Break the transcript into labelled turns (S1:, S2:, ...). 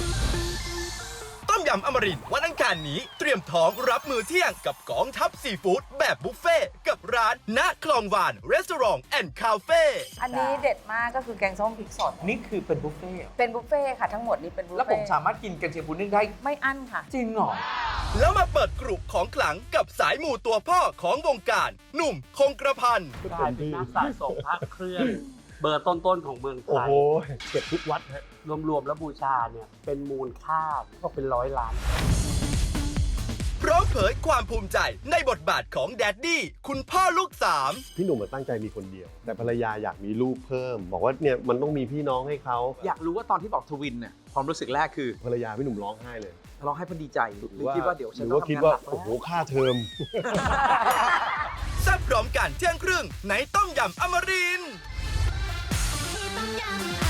S1: ต้มยำอมรินทร์วันอังคารนี้เตรียมท้องรับมือเที่ยงกับกองทัพซีฟู้ดแบบบุฟเฟ่ต์กับร้านณคลองวานรีสอร์ทแอนด์คาเฟ่
S2: อันนี้เด็ดมากก็คือแกงส้มพริกสด
S3: นี่คือเป็นบุฟเฟ่ต์เหรอ
S2: เป็นบุฟเฟ่ต์ค่ะทั้งหมดนี้เป็นบุฟเฟ่ต์
S3: แล้วผมสามารถกินกันเชียงปูนึ่งได้
S2: ไม่อั้นค่ะ
S3: จริงเหรอ
S1: แล้วมาเปิดกรุของขลังกับสายหมู่ตัวพ่อของวงการ หนุ่มคงกระพัน
S4: กลายเป็นนักสะสมพระเครื่อง เบอร์ต้นๆของเมืองไท
S5: โอ้
S4: ย
S5: โหเก็บทุกวัดฮะ
S4: รวมๆแล้วบูชาเนี่ยเป็นมูลค่าก็เป็น100 ล้าน
S1: พร้อมเผยความภูมิใจในบทบาทของแดดดี้คุณพ่อลูกสาม
S5: พี่หนุ่มตั้งใจมีคนเดียว แต่ภรรยาอยากมีลูกเพิ่ม บอกว่าเนี่ยมันต้องมีพี่น้องให้เขา
S3: อยากรู้ว่าตอนที่บอกทวินเนี่ยความรู้สึกแรกคือ
S5: ภรรยาพี่หนุ่มร้องไห้เลย
S3: ร้องให้เพอดีใจหรือคิดว่าเดี๋ยวฉัน
S5: หรือ
S3: ต้อง
S5: ว่าคิด
S3: ทำงาน
S5: ว่า
S3: หนัก
S5: โอ้โห
S3: แล้ว
S5: ค่าเทอม
S1: แซ่บพร้อมกันเที่ยงครึ่งในต้มยำอมรินทร์
S6: ต้มยำ